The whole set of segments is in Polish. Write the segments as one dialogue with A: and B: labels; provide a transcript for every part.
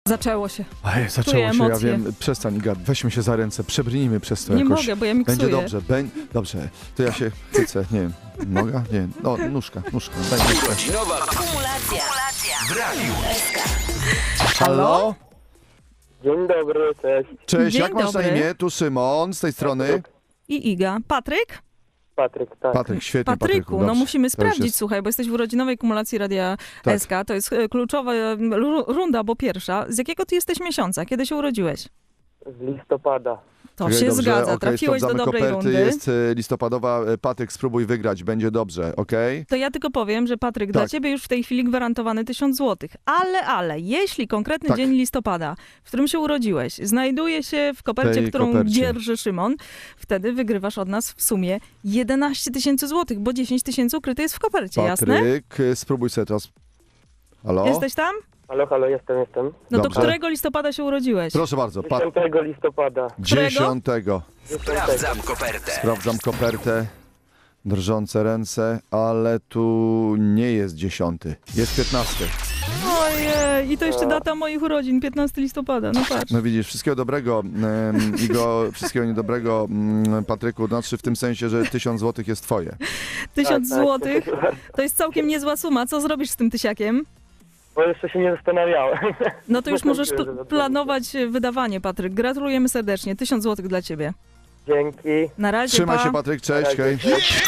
A: Zaczęło się.
B: Ej, zaczęło
A: Czuję
B: się, ja
A: emocje.
B: wiem. Przestań, Iga, weźmy się za ręce, przebrnijmy przez to
A: Nie
B: jakoś.
A: mogę, bo ja miksuję.
B: Będzie dobrze, dobrze. To ja się cycę, nie wiem, noga? Nie, no, nóżka, daj nóżkę.
C: Godzinowa kumulacja w Radiu SK.
B: Halo?
D: Dzień dobry, cześć.
B: Cześć,
A: Dzień
B: jak masz na
A: dobry.
B: imię? Tu Szymon, z tej strony.
A: I Iga. Patryk?
D: Patryk, tak.
B: Patryk, świetnie,
A: Patryku, no
B: dobrze.
A: musimy
B: To już
A: sprawdzić,
B: jest-
A: słuchaj, bo jesteś w urodzinowej kumulacji Radia
B: Tak.
A: SK. To jest kluczowa runda, bo pierwsza. Z jakiego ty jesteś miesiąca? Kiedy się urodziłeś?
D: Z listopada.
A: To
B: Okej,
A: się
B: dobrze,
A: zgadza.
B: okej,
A: Trafiłeś do
B: sprawdzamy
A: dobrej
B: koperty,
A: rundy.
B: jest listopadowa. Patryk, spróbuj wygrać, będzie dobrze, okej?
A: To ja tylko powiem, że Patryk, dla
B: Tak.
A: ciebie już w tej chwili gwarantowany 1000 złotych. Ale, jeśli konkretny
B: Tak.
A: dzień listopada, w którym się urodziłeś, znajduje się w kopercie,
B: Tej
A: którą
B: kopercie.
A: dzierży Szymon, wtedy wygrywasz od nas w sumie 11 000 złotych, bo 10 000 ukryte jest w kopercie, jasne?
B: Patryk, spróbuj sobie teraz. Halo?
A: Jesteś tam?
D: Halo, jestem.
A: No to
B: Dobrze.
A: którego listopada się urodziłeś?
B: Proszę bardzo,
D: 10 listopada.
B: 10.
C: Sprawdzam kopertę.
B: Sprawdzam kopertę. Drżące ręce, ale tu nie jest 10. Jest 15.
A: Ojej, i to jeszcze data moich urodzin, 15 listopada, no patrz.
B: No widzisz, wszystkiego dobrego, wszystkiego niedobrego, Patryku, znaczy w tym sensie, że 1000 złotych jest twoje.
A: 1000
D: Tak.
A: złotych to jest całkiem niezła suma. Co zrobisz z tym tysiakiem?
D: Bo jeszcze się nie zastanawiałem.
A: No to już możesz
D: Dziękuję, że
A: planować wydawanie, Patryk. Gratulujemy serdecznie. 1000 złotych dla ciebie.
D: Dzięki.
A: Na razie,
B: Trzymaj
A: pa.
B: się, Patryk, cześć,
D: Na razie,
B: hej.
D: cześć.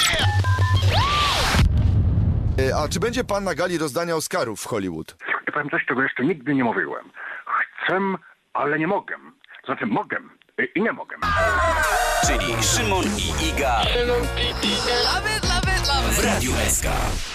B: A czy będzie pan na gali rozdania Oscarów w Hollywood?
E: Ja powiem coś, czego jeszcze nigdy nie mówiłem. Chcę, ale nie mogę. Znaczy mogę i nie mogę.
C: Czyli Szymon i Iga w Radiu SK.